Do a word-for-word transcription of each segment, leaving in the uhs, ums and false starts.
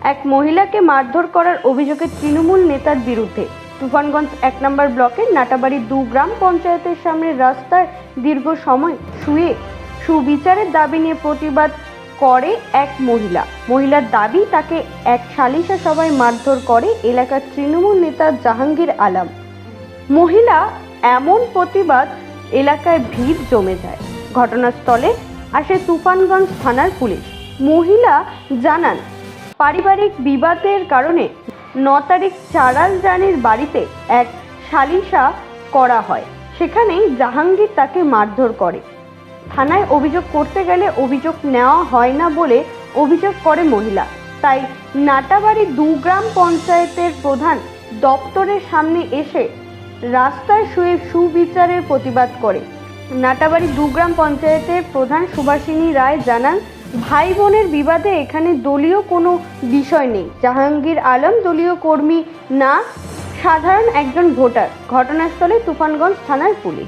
এক মহিলাকে মারধর করার অভিযোগে তৃণমূল নেতার বিরুদ্ধে তুফানগঞ্জ এক নম্বর ব্লকের নাটাবাড়ি দু গ্রাম পঞ্চায়েতের সামনে রাস্তায় দীর্ঘ সময় শুয়ে সুবিচারের দাবি নিয়ে প্রতিবাদ করে এক মহিলা। মহিলার দাবি, তাকে এক সালিশা সভায় মারধর করে এলাকার তৃণমূল নেতা জাহাঙ্গীর আলম। মহিলা এমন প্রতিবাদ এলাকায় ভিড় জমে যায়। ঘটনাস্থলে আসে তুফানগঞ্জ থানার পুলিশ। মহিলা জানান, পারিবারিক বিবাদের কারণে ন তারিখ চারাল রানীর বাড়িতে এক সালিশা করা হয়। সেখানেই জাহাঙ্গীর তাকে মারধর করে। থানায় অভিযোগ করতে গেলে অভিযোগ নেওয়া হয় না বলে অভিযোগ করে মহিলা। তাই নাটাবাড়ি দু গ্রাম পঞ্চায়েতের প্রধান দপ্তরের সামনে এসে রাস্তায় শুয়ে সুবিচারের প্রতিবাদ করে। নাটাবাড়ি দু গ্রাম পঞ্চায়েতের প্রধান সুভাষিনী রায় জানান, ভাই বোনের বিবাদে এখানে দলীয় কোনো বিষয় নেই। জাহাঙ্গীর আলম দলীয় কর্মী না, সাধারণ একজন ভোটার। ঘটনাস্থলে তুফানগঞ্জ থানার পুলিশ।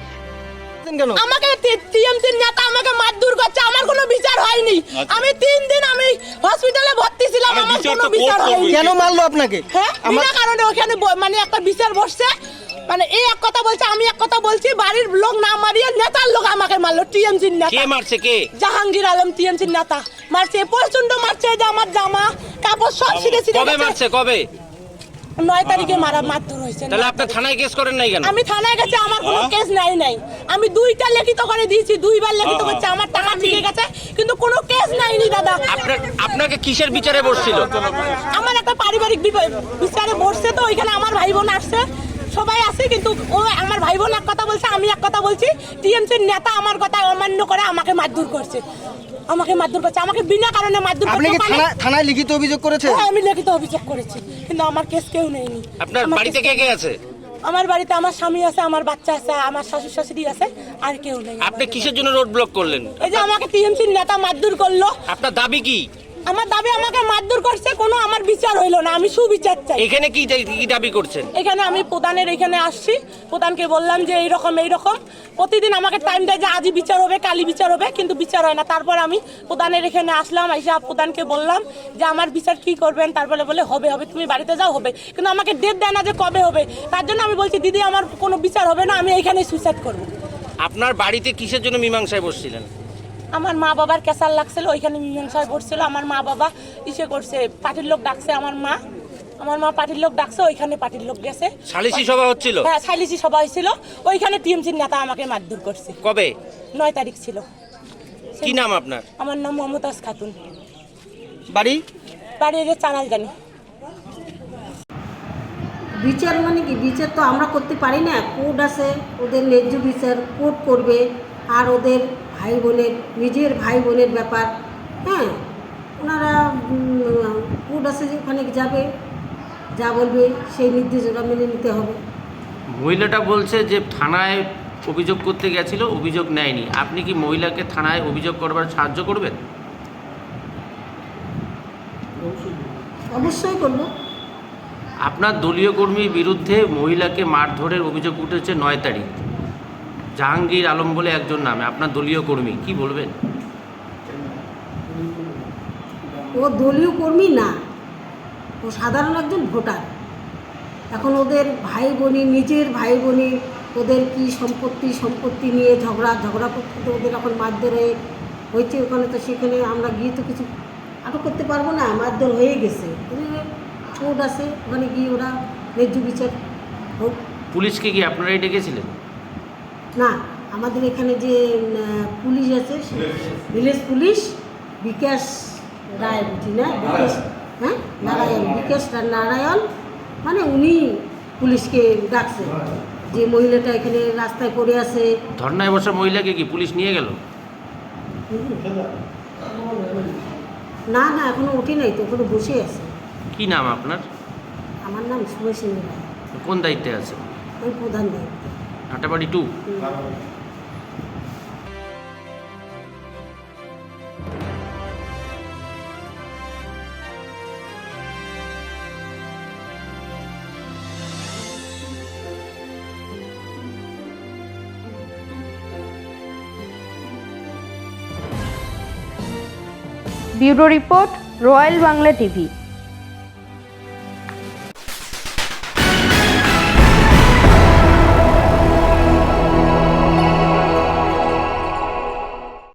আমাকে টিএমসির নেতা আমাকে মারধর করছে, আমার কোনো বিচার হয়নি। আমি তিন দিন আমি হসপিটালে ভর্তি ছিলাম, আমার কোনো বিচার হয়নি। কেন মারলো আপনাকে? হ্যাঁ, বিনা কারণে ওখানে মানে একটা বিচার বসছে, মানে এই এক কথা বলছে, আমি এক কথা বলছি। বাড়ির লোক না মারিয়ে নেতার লোক আমাকে মারলো। টিএমসির নেতা। কে মারছে? কে? জাহাঙ্গীর আলম টিএমসির নেতা মারছে, প্রচন্ড মারছে। যে আমার জামা কাপড় সব ছিঁড়ে ছিঁড়ে কবে মারছে? কবে? নয় তারিখে মারা মারধর হয়েছে। তাহলে আপনি থানায় কেস করেন নাই কেন? আমি থানায় গেছি, আমার কোনো কেস নাই নাই আমি দুইটা লিখিত করে দিয়েছি, দুইবার লিখিত করছে, আমার টাকা ঠিক গেছে, কিন্তু কোনো কেস নাইনি দাদা। আপনার আপনাকে কিসের বিচারে বসছিল? আমার একটা পারিবারিক বিচারে বসছে, তো ওইখানে আমার ভাই বোন আসছে, সবাই আছে, কিন্তু ও আমার ভাই বোন এক কথা বলছে, আমি এক কথা বলছি। টিএমসির নেতা আমার কথা অমান্য করে আমাকে মারধর করছে, আমাকে মারধর করছে, আমাকে বিনা কারণে মারধর করছে। আপনি কি থানা থানায় লিখিত অভিযোগ করেছেন? হ্যাঁ, আমি লিখিত অভিযোগ করেছি, কিন্তু আমার কেস কেউ নেয়নি। আপনার বাড়িতে কে কে আছে? আমার বাড়িতে আমার স্বামী আছে, আমার বাচ্চা আছে, আমার শাশুড়ি শাশুড়ি আছে, আর কেউ নেই। আপনি কিসের জন্য রোড ব্লক করলেন? এই যে আমাকে টিএমসির নেতা মারধর করলো। আপনার দাবি কি? আমার দাবি, আমাকে মারধর করছে, কোনো আমার বিচার হইলো না, আমি সুবিচার চাই। এখানে কি কি দাবি করছেন? এখানে আমি প্রধানের এখানে আসছি, প্রধানকে বললাম যে এইরকম এইরকম, প্রতিদিন আমাকে টাইম দেয় যে আজই বিচার হবে, কালি বিচার হবে, কিন্তু বিচার হয় না। তারপর আমি প্রধানের এখানে আসলাম, এসে প্রধানকে বললাম যে আমার বিচার কি করবেন। তারপরে বলে হবে হবে, তুমি বাড়িতে যাও, হবে, কিন্তু আমাকে ডেট দেয় না যে কবে হবে। তার জন্য আমি বলছি, দিদি আমার কোনো বিচার হবে না, আমি এইখানে সুইসাইড করবো। আপনার বাড়িতে কিসের জন্য মীমাংসায় বসছিলেন? আমার মা বাবার ক্যাসার লাগছিল, ওইখানে মীমাংসায় পড়ছিল। আমার মা বাবা ইসে করছে, পার্টির লোক ডাকছে, আমার মা আমার মা পার্টির লোক ডাকছে, ওইখানে পার্টির লোক গেছে। সালিসি সভা হচ্ছিল? হ্যাঁ, সালিসি সভা হয়েছিল, ওইখানে টিএমসির নেতা আমাকে মারধর করছে। কবে? নয় তারিখ ছিল। কি নাম আপনার? আমার নাম মমতাজ খাতুন। বাড়ি? বাড়ি এর চারাল জানি। বিচার মানে কি? বিচার তো আমরা করতে পারি না, কোর্ট আছে, ওদের ন্যায্য বিচার কোর্ট করবে। আর ওদের ভাই বোনের, নিজের ভাই বোনের ব্যাপার, হ্যাঁ, ওনারা কোর্ট আছে যে ওখানে যাবে, যা বলবে সেই নির্দেশ ওরা মেনে নিতে হবে। মহিলাটা বলছে যে থানায় অভিযোগ করতে গেছিল, অভিযোগ নেয়নি। আপনি কি মহিলাকে থানায় অভিযোগ করবার সাহায্য করবেন? অবশ্যই করবো। আপনার দলীয় কর্মীর বিরুদ্ধে মহিলাকে মারধরের অভিযোগ উঠেছে নয় তারিখ। জাহাঙ্গীর আলম বলে একজন নামে, আপনার দলীয় কর্মী, কি বলবেন? ও দলীয় কর্মী না, ও সাধারণ একজন ভোটার। এখন ওদের ভাই বোনি, নিজের ভাই বোনি, ওদের কি সম্পত্তি সম্পত্তি নিয়ে ঝগড়া ঝগড়া করতে তো ওদের এখন মারধর হয়ে হয়েছে ওখানে। তো সেখানে আমরা গিয়ে তো কিছু আটক করতে পারবো না, মারধর হয়ে গেছে। কোর্ট আছে, ওখানে গিয়ে ওরা ন্যায্য বিচার হোক। পুলিশকে কি আপনারাই ডেকেছিলেন? না, আমাদের এখানে যে পুলিশ আছে, ভিলেজ পুলিশ, বিকাশ রায়, বুঝি না, বিকাশ, হ্যাঁ, নারায়ণ, বিকাশ নারায়ণ, মানে উনি পুলিশকে ডাকছে যে মহিলাটা এখানে রাস্তায় পড়ে আছে। ধর্নায় বসা মহিলাকে কি পুলিশ নিয়ে গেল? না না, এখনো উঠে নাই তো, ওখানে বসে আছে। কি নাম আপনার? আমার নাম সুভাষিনী রায়। কোন দায়িত্বে আছে? আমি প্রধান দায়িত্ব, নাটাবাড়ি টু। Bureau report, royal Bangla TV.